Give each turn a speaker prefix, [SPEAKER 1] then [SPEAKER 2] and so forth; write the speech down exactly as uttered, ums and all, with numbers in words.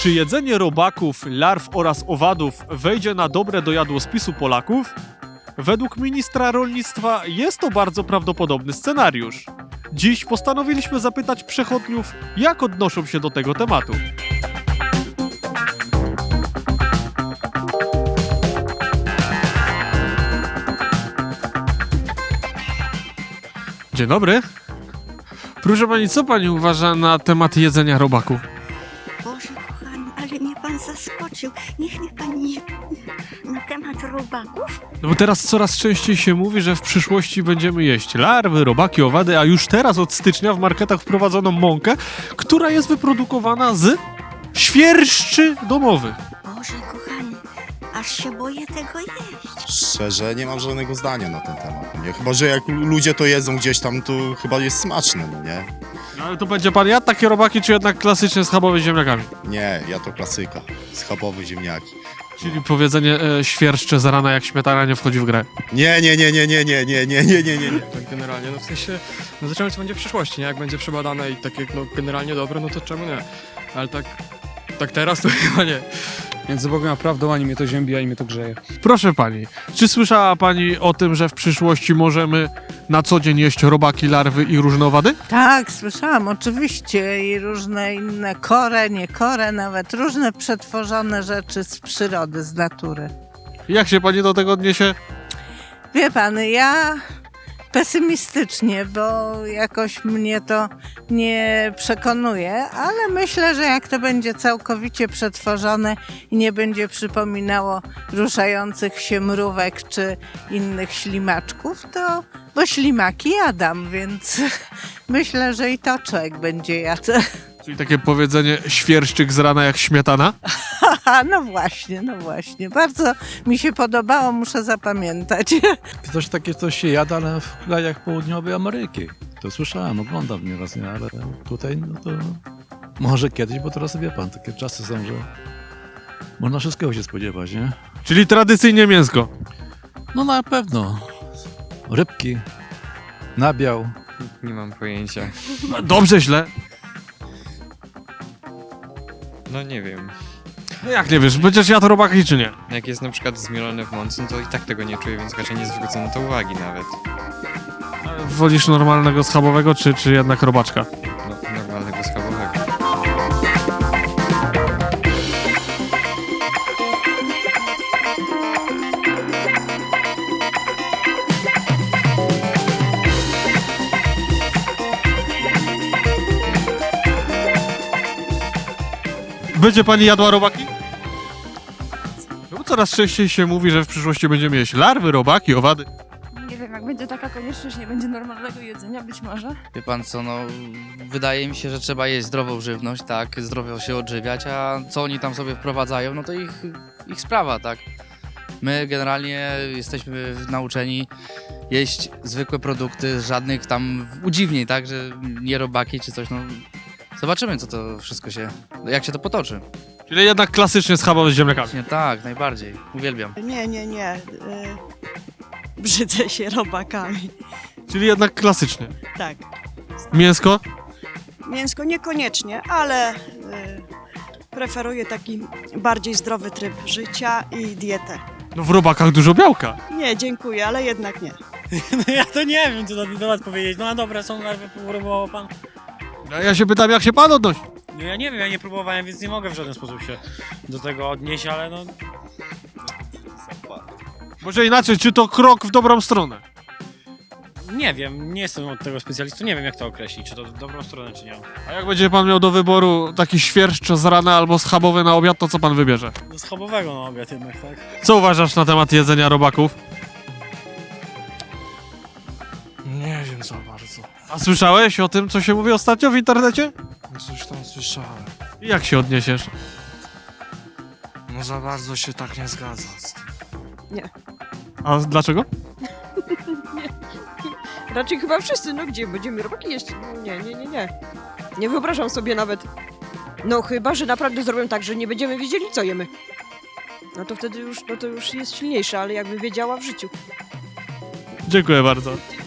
[SPEAKER 1] Czy jedzenie robaków, larw oraz owadów wejdzie na dobre do jadłospisu Polaków? Według ministra rolnictwa jest to bardzo prawdopodobny scenariusz. Dziś postanowiliśmy zapytać przechodniów, jak odnoszą się do tego tematu. Dzień dobry. Proszę pani, co pani uważa na temat jedzenia robaków?
[SPEAKER 2] Boże kochany, ale mnie pan zaskoczył. Niech mnie pan nie... Na temat robaków?
[SPEAKER 1] No bo teraz coraz częściej się mówi, że w przyszłości będziemy jeść larwy, robaki, owady, a już teraz od stycznia w marketach wprowadzono mąkę, która jest wyprodukowana z świerszczy domowych.
[SPEAKER 2] Boże kochany, aż się boję tego jeść.
[SPEAKER 3] Szczerze, nie mam żadnego zdania na ten temat, nie? Chyba że jak ludzie to jedzą gdzieś tam, to chyba jest smaczne, no nie?
[SPEAKER 1] No ale to będzie pan jadł takie robaki, czy jednak klasycznie schabowe z ziemniakami?
[SPEAKER 3] Nie, ja to klasyka. Schabowe ziemniaki.
[SPEAKER 1] Czyli powiedzenie e, świerszcze z rana jak śmietana nie wchodzi w grę.
[SPEAKER 3] Nie, nie, nie, nie, nie, nie, nie, nie, nie, nie, nie.
[SPEAKER 4] Tak generalnie, no w sensie, no zobaczymy co będzie w przyszłości, nie? Jak będzie przebadane i takie no generalnie dobre, no to czemu nie? Ale tak, tak teraz to chyba nie.
[SPEAKER 5] Między Bogiem a prawdą ani mnie to ziębi, ani mnie to grzeje.
[SPEAKER 1] Proszę pani, czy słyszała pani o tym, że w przyszłości możemy na co dzień jeść robaki, larwy i różne owady?
[SPEAKER 6] Tak, słyszałam, oczywiście i różne inne kore, nie kore, nawet różne przetworzone rzeczy z przyrody, z natury.
[SPEAKER 1] Jak się pani do tego odniesie?
[SPEAKER 6] Wie pan, ja pesymistycznie, bo jakoś mnie to nie przekonuje, ale myślę, że jak to będzie całkowicie przetworzone i nie będzie przypominało ruszających się mrówek czy innych ślimaczków, to bo ślimaki jadam, więc myślę, że i to człowiek będzie jadł.
[SPEAKER 1] Czyli takie powiedzenie świerszczyk z rana jak śmietana?
[SPEAKER 6] Haha, no właśnie, no właśnie. Bardzo mi się podobało, muszę zapamiętać.
[SPEAKER 7] Coś takie coś się jada, ale w krajach południowej Ameryki. To słyszałem, oglądam nieraz, nie, ale tutaj no to może kiedyś, bo teraz wie pan, takie czasy są, że można wszystkiego się spodziewać, nie?
[SPEAKER 1] Czyli tradycyjnie mięsko.
[SPEAKER 7] No na pewno. Rybki, nabiał.
[SPEAKER 8] Nie mam pojęcia.
[SPEAKER 1] Dobrze, źle.
[SPEAKER 8] No nie wiem.
[SPEAKER 1] No jak nie wiesz, będziesz jadł robaki czy nie?
[SPEAKER 8] Jak jest na przykład zmielone w mące, no to i tak tego nie czuję, więc raczej nie zwrócę na to uwagi nawet.
[SPEAKER 1] Wolisz normalnego schabowego, czy, czy jednak robaczka?
[SPEAKER 8] No, normalnego schabowego.
[SPEAKER 1] Będzie pani jadła robaki? No bo coraz częściej się mówi, że w przyszłości będziemy jeść larwy, robaki, owady.
[SPEAKER 9] Nie wiem, jak będzie taka konieczność, nie będzie normalnego jedzenia, być może.
[SPEAKER 10] Wie pan co, no wydaje mi się, że trzeba jeść zdrową żywność, tak, zdrowo się odżywiać, a co oni tam sobie wprowadzają, no to ich, ich sprawa, tak. My generalnie jesteśmy nauczeni jeść zwykłe produkty, żadnych tam udziwnień, tak, że nie robaki czy coś, no. Zobaczymy, co to wszystko się, jak się to potoczy.
[SPEAKER 1] Czyli jednak klasycznie schabowe z ziemniakami.
[SPEAKER 10] Nie, tak, najbardziej, uwielbiam.
[SPEAKER 11] Nie, nie, nie. Yy, brzydzę się robakami.
[SPEAKER 1] Czyli jednak klasycznie.
[SPEAKER 11] Tak.
[SPEAKER 1] Mięsko?
[SPEAKER 11] Mięsko niekoniecznie, ale yy, preferuję taki bardziej zdrowy tryb życia i dietę.
[SPEAKER 1] No w robakach dużo białka.
[SPEAKER 11] Nie, dziękuję, ale jednak nie.
[SPEAKER 12] No ja to nie wiem, co na ten temat powiedzieć. No a dobra, są larwy, próbował pan.
[SPEAKER 1] No ja się pytam, jak się pan odnosi?
[SPEAKER 12] No ja nie wiem, ja nie próbowałem, więc nie mogę w żaden sposób się do tego odnieść, ale no...
[SPEAKER 1] Może inaczej, czy to krok w dobrą stronę?
[SPEAKER 12] Nie wiem, nie jestem od tego specjalistą, nie wiem jak to określić, czy to w dobrą stronę, czy nie.
[SPEAKER 1] A jak będzie pan miał do wyboru taki świerszcz z rana albo schabowy na obiad, to co pan wybierze?
[SPEAKER 12] Do schabowego na obiad jednak, tak?
[SPEAKER 1] Co uważasz na temat jedzenia robaków?
[SPEAKER 4] Nie wiem za bardzo.
[SPEAKER 1] A słyszałeś o tym, co się mówi ostatnio w internecie?
[SPEAKER 4] Coś tam słyszałem.
[SPEAKER 1] I jak się odniesiesz?
[SPEAKER 4] No za bardzo się tak nie zgadza z tym.
[SPEAKER 1] A dlaczego?
[SPEAKER 13] Raczej chyba wszyscy, no gdzie będziemy robaki jeść? No nie, nie, nie, nie. Nie wyobrażam sobie nawet. No chyba, że naprawdę zrobią tak, że nie będziemy wiedzieli, co jemy. No to wtedy już, no to już jest silniejsze, ale jakby wiedziała w życiu.
[SPEAKER 1] Dziękuję bardzo.